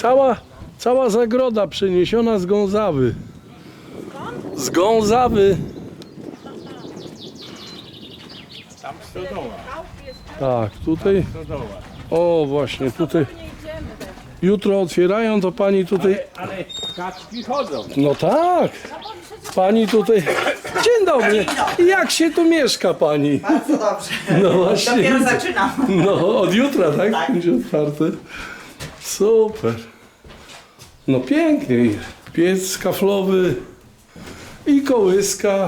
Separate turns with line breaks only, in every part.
Cała zagroda przeniesiona z Gązawy. Z Gązawy.
Tam stodoła.
Tak, tutaj.
Stodoła.
O, właśnie, tutaj. Jutro otwierają, to pani tutaj.
Ale kaczki chodzą.
No tak. Pani tutaj. Dzień dobry. Jak się tu mieszka pani?
Bardzo dobrze.
No właśnie.
Dopiero zaczynam.
No, od jutra, tak?
Tak.
Będzie otwarte. Super. No pięknie. Piec kaflowy i kołyska.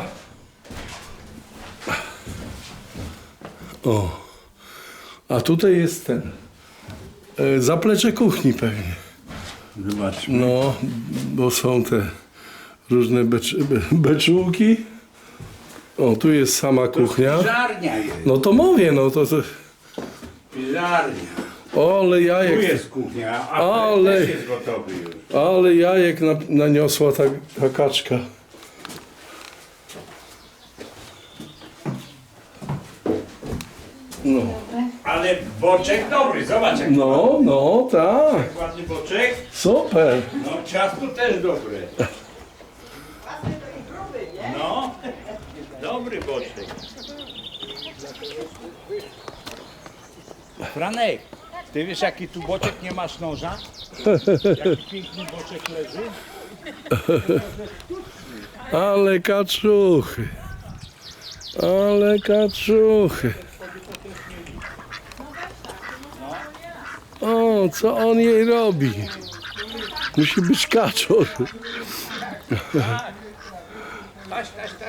O. A tutaj jest ten. Zaplecze kuchni pewnie.
Zobaczmy.
No, bo są te różne beczułki. O, tu jest sama kuchnia.
Piżarnia jest.
No to mówię, no to.
Piżarnia.
Ale
Tu
jajek.
jest kuchnia, a
Ale-
też jest gotowy już.
Ale jajek naniosła ta kaczka. No,
Ale boczek dobry, zobacz jak
no, tak.
ładny boczek.
Super.
No ciasto też dobre. No, dobry boczek. Franek, ty wiesz jaki tu boczek nie masz noża? Jaki piękny boczek leży?
Ale kaczuchy. Ale kaczuchy. O, co on jej robi? Musi być kaczor.
Taś.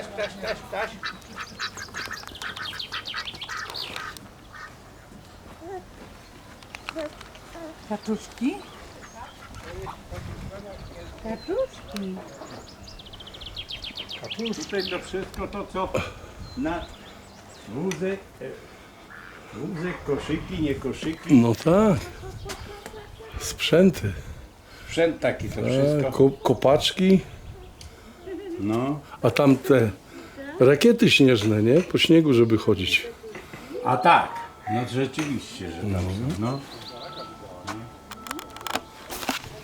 Kaczuszki? Kaczuszki.
Tutaj to wszystko to co na wózek, koszyki, nie koszyki.
No tak. Sprzęty.
Sprzęt taki to wszystko.
Kopaczki.
No.
A tam te rakiety śnieżne, nie? Po śniegu, żeby chodzić.
A tak, no rzeczywiście, że tam są. No.